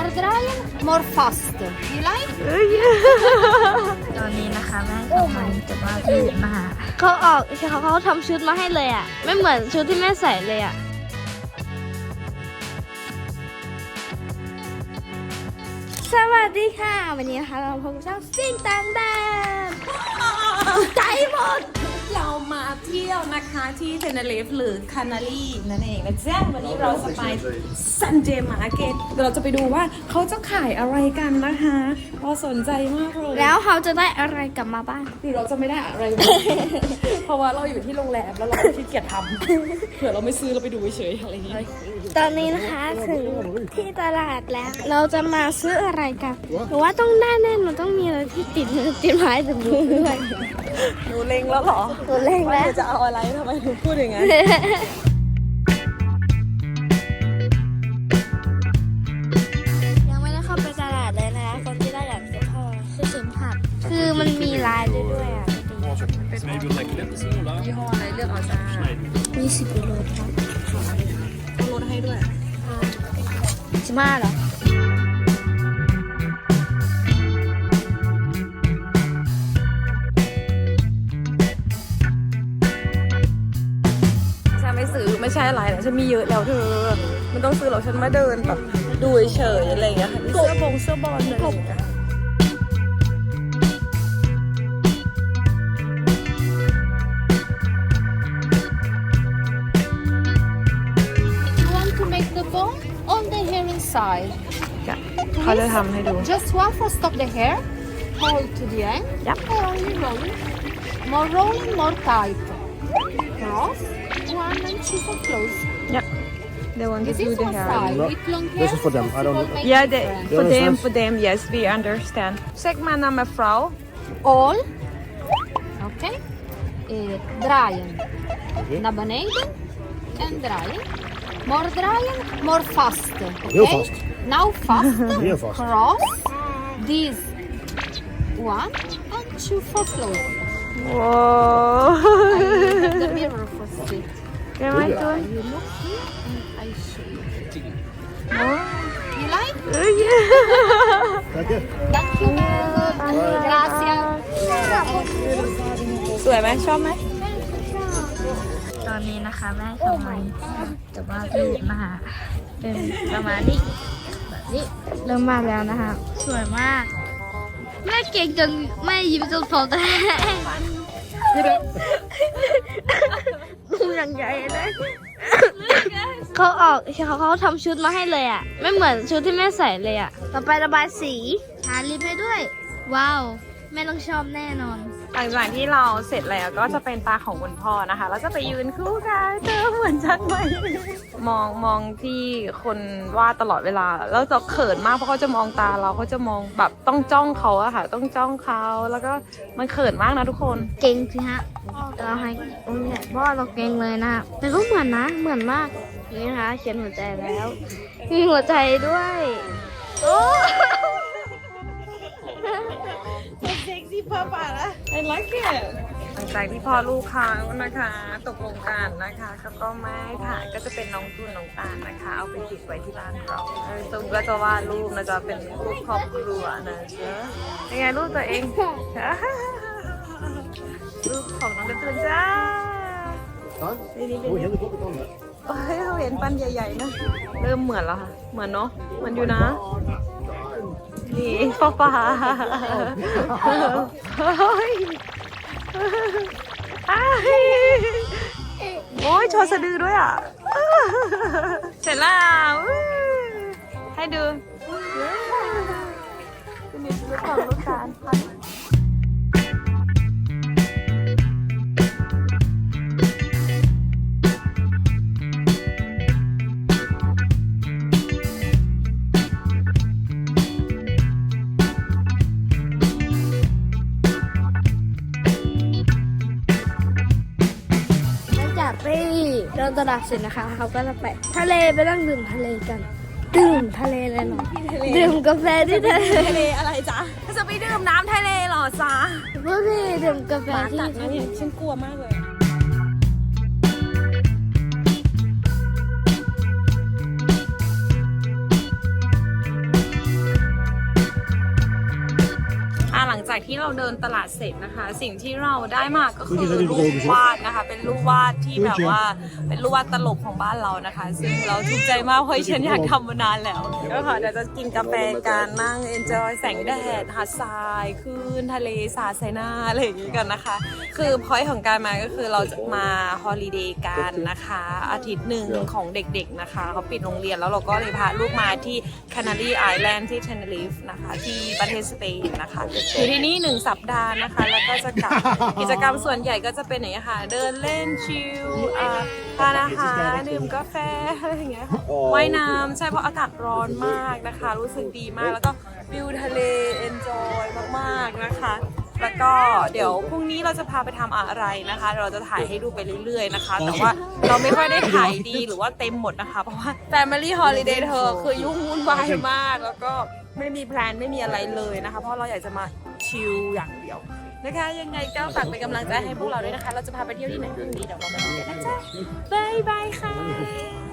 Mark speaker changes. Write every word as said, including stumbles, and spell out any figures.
Speaker 1: more dry more fast you like
Speaker 2: ตอนนี้นะคะแม่ทำไมแต่ว่าพี่มาเขาออกเขาเขาทำชุดมาให้เลยอ่ะไม่เหมือนชุดที่แม่ใส่เลยอ่ะสวัสดีค่ะวันนี้นะคะเราพบกับช่องซิ่งต่างแดนใจหมด
Speaker 3: เรามาเที่ยวนะคะที่เทนเรฟหรือคานารีนั่นเองนะจ๊ะวันนี้เราจะไปซันเดย์มาร์เก็ตเราจะไปดูว่าเขาจะขายอะไรกันนะคะเราสนใจมากเลย
Speaker 2: แล้วเขาจะได้อะไรกลับมาบ้าง
Speaker 3: หรือเราจะไม่ได้อะไรเลย เพราะว่าเราอยู่ที่โรงแรมแล้วเราขี้เกียจทำเผื่อเราไม่ซื้อเราไปดูเฉยๆอะไรอย่างเงี้ย
Speaker 2: ตอนนี้นะคะถึงที่ตลาดแล้วเราจะมาซื้ออะไรกันหรือว่าต้องแน่แน่มันต้องมีอะไรที่ติดมือติดไม้ติดมือด้วย
Speaker 3: หนูเล็งแล้วเหรอ
Speaker 2: หนูเล็งแล้ว
Speaker 3: จะเอาอะไรทำไมหนูพูดอย่างนั้น
Speaker 2: ยังไม่ได้เข้าไปตลาดเลยนะคะคนที่ได้อยากซื้อพ่อคือสินผักคือมันมีลายด้วยด้วยอ่ะ
Speaker 3: ยี่ห้ออะไรเลือกเอาจ้า
Speaker 2: มีสิบกิโลครับ
Speaker 3: เขาลดให้ด้วย
Speaker 2: สิบห้าเหรอ
Speaker 3: ไม่ซื้อไม่ใช่อะไรนะฉันมีเยอะแล้วเธอมันต้องซื้อหรอกฉันมาเดินแบบดูเฉยอะไรอย่างเงี้ยเสื้อบงเสื้อบอลอะไรอย่างเงี้ยเขาจะทำให้ดู
Speaker 1: just one for stop the hair hold to the end
Speaker 3: yep
Speaker 1: only rolling more rolling more tight cross one and two for close
Speaker 3: yep they want to do the hair
Speaker 1: this
Speaker 4: is for them I don't know
Speaker 3: yeah they, for them for them yes we understand zeg maar naar mevrouw
Speaker 1: all oké okay. draaien okay. naar beneden en draaien more draaien more fast okay?
Speaker 4: heel vast
Speaker 1: now fast
Speaker 4: heel vast
Speaker 1: cross this one and two for close
Speaker 3: wow
Speaker 1: I have the mirror for sit
Speaker 3: can I do it
Speaker 1: you look here and I show you
Speaker 3: oh
Speaker 1: you like
Speaker 3: oh yeah
Speaker 4: thank you
Speaker 1: thank you gracias
Speaker 3: สวยไหมชอบไหม
Speaker 2: ตอนนี้นะคะแม่ทำไมแต่ว่าพี่มาเป็นประมาณนี้แบบนี้เริ่มมาแล้วนะคะสวยมากแม่เก่งจนแม่ยิ้มจนฟองแตกดูอย่างใหญ่เลยเขาออกเขาเขาทำชุดมาให้เลยอ่ะไม่เหมือนชุดที่แม่ใส่เลยอ่ะต่อไประบายสีทาลิปให้ด้วยว้าวแม่ต้องชอบแน่นอน
Speaker 3: หลังจากที่เราเสร็จแล้วก็จะเป็นตาของคุณพ่อนะคะแล้วจะไปยืนคู่กันเธอเหมือนฉันไหมมองมองที่คนวาดตลอดเวลาแล้วจะเขินมากเพราะเขาจะมองตาเราเขาจะมองแบบต้องจ้องเขาอะค่ะต้องจ้องเขาแล้วก็มันเขินมากนะทุกคน
Speaker 2: เก่งสิฮะเราให้เนี่ยพ่อเราเก่งเลยนะแต่ก็เหมือนนะเหมือนมากนี่นะคะเขียนหัวใจแล้วมีหัวใจด้วยโอ้
Speaker 3: เซ็กซี่พ่อป่ะละ I like it หลังจากที่พ่อลูกเขานะคะตกลงกันนะคะเขาก็ไม่ถ่ายก็จะเป็นน้องตุนน้องตาลนะคะเอาไปติดไว้ที่บ้านเราตุ้มก็จะวาดรูปนะจะเป็นรูปครอบครัวนะเจ้ายังไงรูปตัวเองรูปของน้องกระตุนจ้านี่นี่เป็นเฮ้ยเขาเห็นปันใหญ่ๆนะเริ่มเหมือนแล้วค่ะเหมือนเนาะเหมือนอยู่นะนี่ป้าป้าโอ้ยโชว์สะดือด้วยอ่ะเสร็จแล้วให้ดูนี่คือของลูกตาล
Speaker 2: เดินตลาดเสร็จนะคะเขาก็จะไปทะเลไปนั่งดื่มทะเลกันดื่มทะเลเลยเหรอดื่มกาแฟที่ทะเล
Speaker 3: ทะเลอะไรจ๊ะจะไปดื่มน้ำทะเลเหรอจ๊ะ
Speaker 2: พวกพี่ดื่มกาแฟที่ทะเล
Speaker 3: ฉันกลัวมากเลยจากที่เราเดินตลาดเสร็จนะคะ สิ่งที่เราได้มาก็คือรูปวาดนะคะเป็นรูปวาดที่แบบว่าเป็นรูปวาดตลกของบ้านเรานะคะ ซึ่งเราถูกใจมากเพราะฉันอยากทำมานานแล้วก็ค่ะเดี๋ยวจะกินกาแฟกันนั่ง enjoy แสงแดดหาดทรายคลื่นทะเลสาดใส่หน้าอะไรอย่างนี้กันนะคะ คือพอยต์ของการมาก็คือเราจะมาฮอลิเดย์กันนะคะอาทิตย์หนึ่งของเด็กๆนะคะเขาปิดโรงเรียนแล้วเราก็เลยพาลูกมาที่ Canary Island ที่ Tenerife นะคะที่ประเทศสเปนนะคะอยู่ที่นี่หนึ่งสัปดาห์นะคะแล้วก็จะกลับ กิจกรรมส่วนใหญ่ก็จะเป็นอย่างนี้ค่ะเดินเล่นชิลอ่าทานอาหารดื่มกาแฟอะไรอย่างเงี้ยค่ะว่ายน้ำใช่เพราะอากาศร้อนมากนะคะรู้สึกดีมากแล้วก็วิวทะเล enjoy มากๆนะคะแล้วก็เดี๋ยวพรุ่งนี้เราจะพาไปทำอะไรนะคะ เราจะถ่ายให้ดูไปเรื่อยๆนะคะแต่ว่าเราไม่ค่อยได้ถ่ายดีหรือว่าเต็มหมดนะคะเพราะว่า Family Holiday เธอคือยุ่งวุ่นวายมากแล้วก็ไม่มีแพลนไม่มีอะไรเลยนะคะเพราะเราอยากจะมาชิลอย่างเดียวนะคะยังไงก็ฝากเป็นกำลังใจให้พวกเราด้วยนะคะเราจะพาไปเที่ยวที่ไหนพรุ่งนี้เดี๋ยวเราไปดูกันนะจ๊ะบ๊ายบายค่ะ